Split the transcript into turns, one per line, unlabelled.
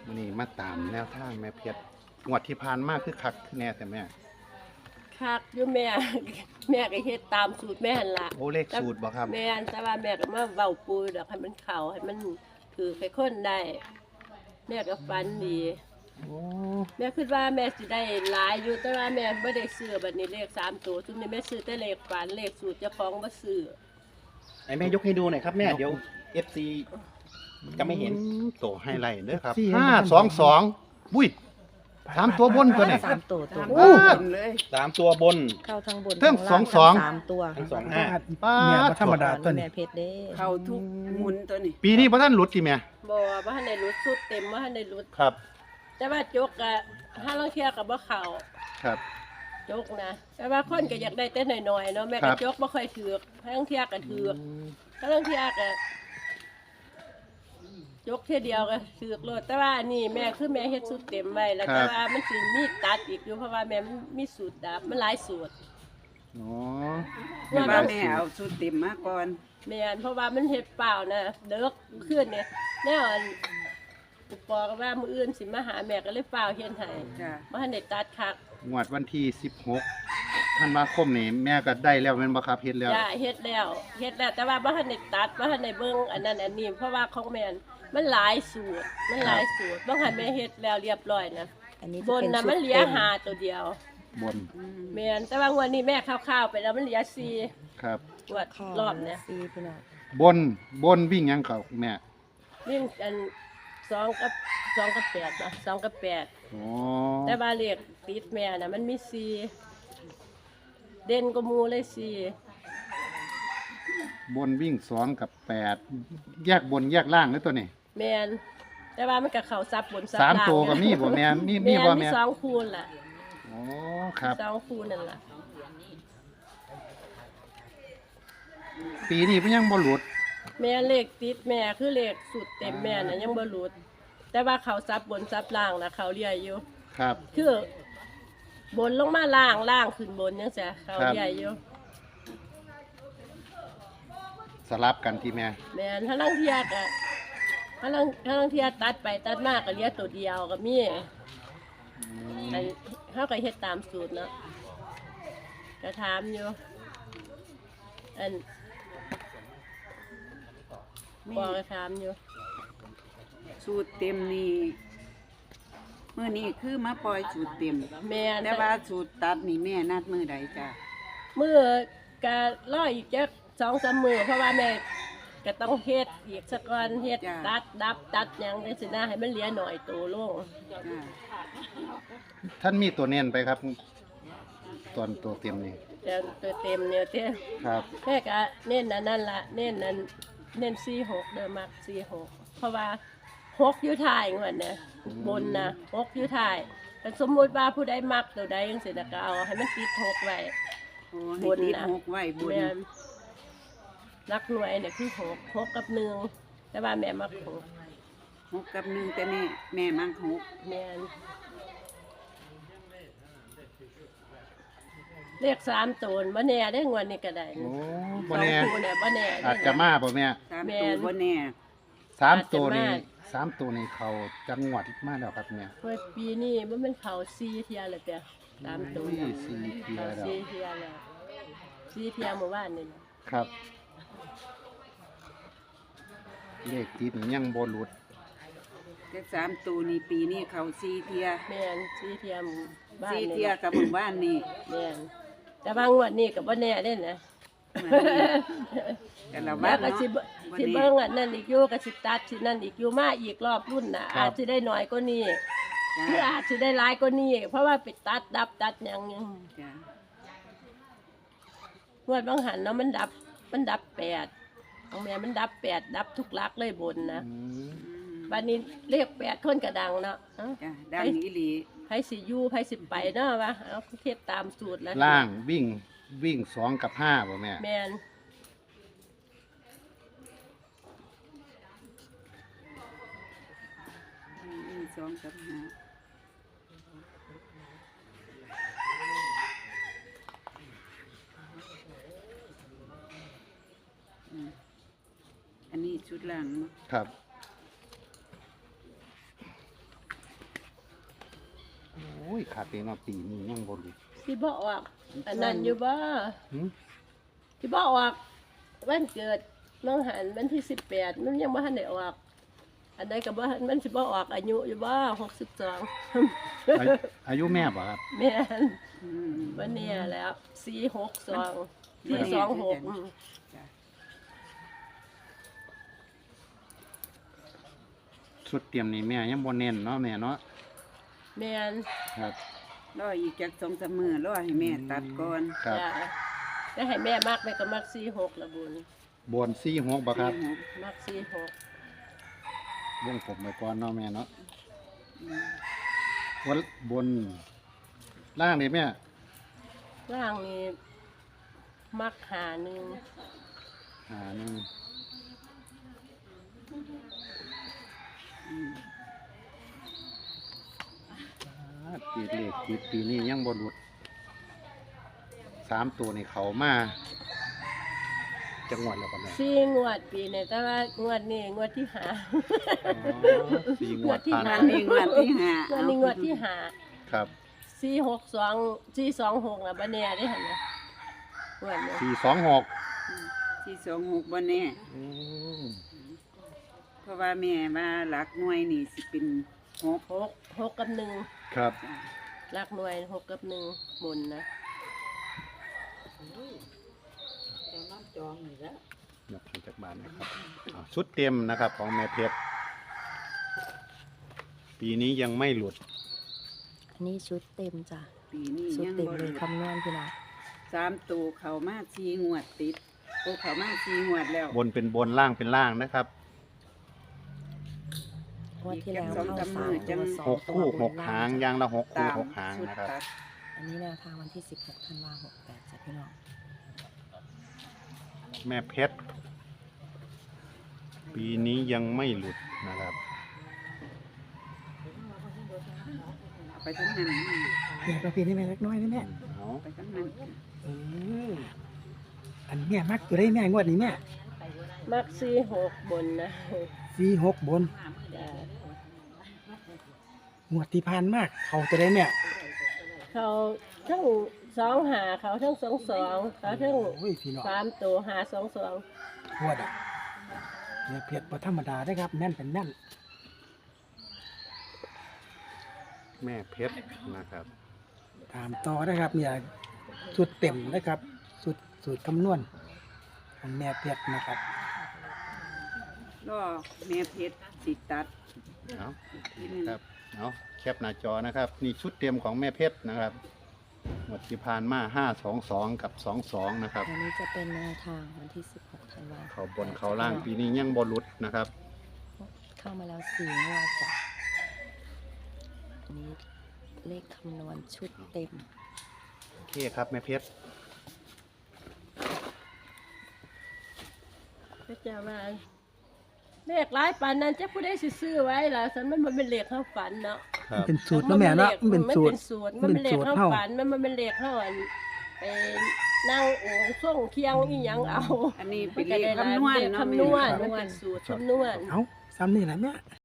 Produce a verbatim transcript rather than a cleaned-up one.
นี่มาตามแนวทางแม่เพชรงวดที่ผ่านมาคือคักคือแน่แต่แม่
คักอยู่แม่ แม่ก็เฮ็ดตามสูตรแม่หั่นล่ะ
โอ้เลขสูตรบ่ครับ
แม่นแต่ว่าแม่ก็มาเว้าปูดอกให้มันเข้าให้มันถือให้คนได้แม่ก็ฝันดี
โอ้
แม่คิดว่าแม่สิได้หลายอยู่แต่ว่าแม่บ่ได้ซื้อบัดนี้เลขสามตัวซุมนี้แม่ซื้อแต่เลขฝันเลขสูตรเจ้าของบ่ซื้อ
ไอ้แม่ยกให้ดูหน่อยครับแม่เดี๋ยว เอฟ ซี จะไม่เห็น
โตให้ไรเด้อครับห้าสองสองบุ้ยสามตัวบนตัวนี่
สามตัวตัว
โอ้
สามตัวบน
เข้าทั้งบน
เพิ่ม
ทั้ล่า
สอง
สามตัว
ทั้งสองห้า
ป้า
เนี่ยบ่ธรรมดาตัว
แม่
นี้
เพชรเด้
เข้าทุกหมุนตัวนี้
ปีนี้พระท่านหลุดกี่แม่
บ่บ่ทันได้รุดสุดเต็มบ่ทันได้รุด
ครับ
แต่ว่าจกก็ห้าลางเที่ยก็บ่เข้า
ครับ
จกนะแต่ว่าคนก็อยากได้แต่น้อยๆเนาะแม่
ครั
ก็
บ
จกบ่ค่อยถือกห้าลางเที่ยก็ถือกห้าลางเที่ยก็จกเที่ยเดียวก็ถือกโลดแต่ว่าอันนี้แม่คือแม่เฮ็ดสูตรเต็มไว้แล้วแต่ว่ามันสิมีตัดอีกอยู่เพราะว่าแม่มันมีสูตรดับมันหลายสูตร
อ๋อ
แต่ว่าแม่เอาสุดเต็มมาก่อน
แม่นเพราะว่ามันเฮ็ดเปล่านะเด็กขึ้นเนี่ยแนวอันอุปอก็ว่ามื้ออื่นสิมาหาแม่ก็เลยเปล่าเฮ็ดให้
จ้ะ
บ่ทันได้ตัดคัก
งวดวันที่สิบหกธันวาคมนี่แม่ก็ได้แล้วแม่นบ่ครับเฮ็ดแล้ว
จ้าเฮ็ดแล้วเฮ็ดแล้วแต่ว่าบ่ทันได้ตัดบ่ทันได้เบิ่งอันนั้นอันนี้เพราะว่าของแม่นมันหลายสูตรมันหลายสูตรบ่ทันแม่เฮ็ดแล้วเรียบร้อยนะ
อันนี้
บ
จะ
น
เป็น
น่ะ
ชุ
มั
ด
นเหลือ
เต็ม
ห้าตัวเดียว
บน
แม่นแต่ว่างวดนี้แม่คร่าวๆไปแล้วมันเหลือสี่
ครับ
งวด
ข้อ
รอบเนี่ย
สี่พี่น้อง
บนบนวิ่งหยังเขาแม่
วิ่งอันสองกับสองกับแปดนะสองกับแปด
อ๋อ
แต่ว่าเลขติดแม่น่ะมันมีสี่เด่นก็มูเลยสี่
บนวิ่งสองกับแปดแยกบนแยกล่างเลยตัวนี้
แม่นแต่ว่ามันก็เข้าซับบนซับ
สาม
ล่าง
ตัวก็มีบ่แม่นมีมี
แม่น
บ่
มี
แม่น
สองคูณล่ะ
อ๋อครับ
สองคูณนั่นล่ะ
ปีนี้เพิ่นยังบ่หลุด
แม่เลขติดแม่คือเลขสุดเต็มแม่น่ะยังบ่หลุด แต่ว่าเขาซับบนซับล่างน่ะเขาเรียอยู่
ครับ
คือบนลงมาล่างล่างขึ้นบนจังซี่เขาเรียอยู่
สลับกันที่แม่
แม่นถ้าลังเทียก็ถ้าลังถ้าลังเทียตัดไปตัดมาก็เหลือตัวเดียวก็มีอันเฮาก็เฮ็ดตามสูตรเนาะก็ถามอยู่อันบอกก็ถามอยู่
สูตรเต็มนี่มื้อนี้คือมาปล่อยสูตรเต็ม
แม่น
แต่ว่าสูตรตัดนี่แม่นัดมื้อใดจ้ะ
มื้อก็รออีกจัก สองสาม มื้อเพราะว่าแม่ก็ต้องเฮ็ดอีกสักก่อนเฮ็ดตัดดับตัดหยังจังซี่นะให้มันเหลือหน่อยโตลง
จ้ะ
ท่านมีตัวเน้นไปครับตอนตัวเต็มนี่
แต่ตัวเต็มเนี่ยเต้
ครับ
แม่ก็เน้นอันนั่นละเน้นอันเน้นสี่หกเด้อมักสี่หกเพราะว่าหกอยู่ท้ายงวดนะบนนะหกอยู่ท้ายแต่สมมุติว่าผู้ใดมักตัวใดจังซี่น่ะก็เอาให้มันติดหกไว้
โอ้ให้ติดหกไว้บน
แม่นรักหน่วยเนี่ยคือหกหกกับหนึ่งแต่ว่าแม่มักหก
หกกับหนึ่งแต่แม่แม่มักหก
แม่นเลขสามตัวบ่แน่ได้งวดนี้ก็ได้
โอ้
ส
บ่
อง
แน่
คู่เนี่ยบ่แน่
อาจจะมาบ่แม่
สาม
แม่
ตัวน บ่แน่
สามตัวนี้
อาจจะมา
สามตัวนี้เขาจังหวัดมาแล้วครับแม่
เมื่อปีนี้มันเป็นเขาซีเทียเลยเปียตามตัว
อุ้ยสี่เทีย
เขา
แล้ว
ซีเทียแล้วซีเทียเมื่อวานนี่นะครับ
เลขติดนี่ยังบ่หลุด
แต่สามตัวนี่ปีนี้เขาสี่เทีย
แม่นซีเทียหมู่บ้าน
สี่
นี่
เทียกับหมู่บ้านนี่
แม่นแต่บางงวดนี้ก็บ่แน่เด้นะ
แต่ละ
แล้
วั
วน ก็
เนาะ
สิเบิ่งสิเบิ่งอันนั้นอีกอยู่ก็สิตัดสินั่นอีกอยู่มาอีกรอบรุ่นน่ะอาจสิได้น้อยกว่านี้หรือ
จ้ะ
อาจสิได้หลายกว่านี้เพราะว่าไปตัดดับตัดหยังหยัง
จ้ะ
งวดบางหันเนาะมันดับมันดับแปดของแม่มันดับแปดดับทุกหลักเลยบนนะ
อืม
วันนี้เรียกแปดคนกระดังเนาะเอ้า
จ้ะดังอีหลี
ไผสิอยู่ไผสิไปเนาะวะเอาเทศตามสูตรแล้ว
ล่างวิ่งวิ่งสองกับห้าบ่แม่
แม่น
มีสองกับห้าอืมอันนี้ชุดหลังเนาะ
ครับยขาดเองเนาะปีนี้ยังบ่รู้
สิบ่ออกอันนั้นอยู่บ่
หึ
สิบ่ออกวันเกิดน้องหันวันที่สิบแปดมันยังบ่ทันได้ออกอันใดก็บ่ทันมันสิบ่ออกอายุอยู่บ่หกสิบสอง
อายุอายุแม่บ่ครับ
แม่น
อืม
วันนี้แล้วสี่หกสอง
มัน
สี่สองหก
จ้ะ
ชุดเตรียมนี่แม่ยังบ่เน้นเนาะแม่เนาะ
แม่น
ครับ
รออีกจักสองสามมื้อรอให้แม่ตัดก่อน
ครับ
จ้ะแล้วให้แม่มักแม่ก็มักสี่หกละบุญ
บนสี่หกบ่ครับ
สี่หก
มักสี่หก
วงผมไว้ก่อนเนาะแม่เนาะ
อืม
วันบนล่างนี่แม่
ร่างนี้มักหาหนึ่ง
หาหนึ่ง
อืม
อ่าปีเลขปีปีนี้ยังบ่หลุดสามตัวนี่เขามาจังหวัดแล้วก็แม่
สี่งวดปีนี้แต่ว่างวดนี้งวดที่หา
อ๋อสี่งวดผ่าน
งาน
ไป
นี้งานที่ห้าง
วดนี้งวดที่หา
ครับ
สี่หกสองสี่สองหกอ่ะบันเนี่ยได้หันนะงวดนี้
สี่สองหก
ที่สองหกบ่แน่
อืม
เพราะว่าแม่ว่าหลักหน่วยนี่สิเป็นหก
หกหกกับหนึ่ง
ครับ
จ้ะ
รักหน่วยหกกับหนึ่งบนนะ
ยกขึ้นจากบ้านนะครับอ่าชุดเต็มนะครับของแม่เพชรปีนี้ยังไม่หลุด
อันนี้ชุดเต็มจ้ะ
ปีนี้
ชุด
ยัง
เต็ม
บ่
เลย
รู้
คำนวณพี่น้อง
สามตัวเขามาสี่งวดติดโอ้เขามาสี่งวดแล้ว
บนเป็นบนล่างเป็นล่างนะครับ
งวดที่แล้ว
สอง
เข้า
สาม
สา
มื้
ม
อจั
ตัว
ง
สอง
หก
ตัว
คู่
บ
ห
น
ก
ล่า
หาง
ง
อยางละหกคู่
ตาม
หกหาง
ชุด
นะครับ
ตัด
อันนี้แนวทางวันที่สิบหกธันวาหกแปดจ้ะพี่น้อง
แม่เพชรปีนี้ยังไม่หลุดนะครับ
เอาไปทั้งนั้น
แม่ก็เพียงให้แม่เล็กน้อยนะแม่
เอา
เอาไปทั้งนั้น
เอออันแม่มักตัวได้แม่งวดนี้แม่
มักสี่หกบนนะ
สี่หกบน
จ้ะ
งวดที่ผ่านมากเขาตัวได้แม่
เขาทั้งสองหาเขาทั้งสองสองเขาทั้ง
โอ้ยพี่น้อง
สามตัวหาสองสอง
งวดอ่ะแม่เพียรบ่ธรรมดาได้อครับแม่นเป็นแม่น
แม่เพชรนะครับ
ตามต่อนะครับเนี่ยสูตรเต็มนะครับสูตรสูตรคำนวณของแม่เพียรนะครับ
รอแม่เพชรสิตัด
เอา
ทีหนึง
ครับเอาแคปหน้าจอนะครับ นี่ชุดเต็มของแม่เพชรนะครับหมดที่ผ่านมาห้าสองสองกับสองสองนะครับ
อันนี้จะเป็นแนวทางวันที่สิบหกธันวา
เขาบนเขาล่างปีนี้ยังบอลุดนะครับ
เข้ามาแล้วสี่งวดจ้ะอันนี้เลขคำนวณชุดเต็ม
โอเคครับแม่เพชร
ก็จะมาเลขหลายปันนั้นจะผู้ได้สิซื้อไว้ล่ะฉันมันมันเป็นเลขเข้าฝันเนาะ
ครับ
เป็นสูตรเนาะแม่เนาะมันเป็นสูตร
มันเป็นสูตรมันเป็นเลขเข้า
เฮา
ฝันมันมันเป็นเลขเข้าอันไปนั่งโอ่งส่งเคียงอีหยังเอา
อันนี้
มั
เป็น น
ก็
เล
ได้
ข
หลาย
คำนวณ
เลข
เนาะ
คำน
แม่
วณมันเป็นสูตรคำนวณ
เอาซ้ำนี่แหละแม่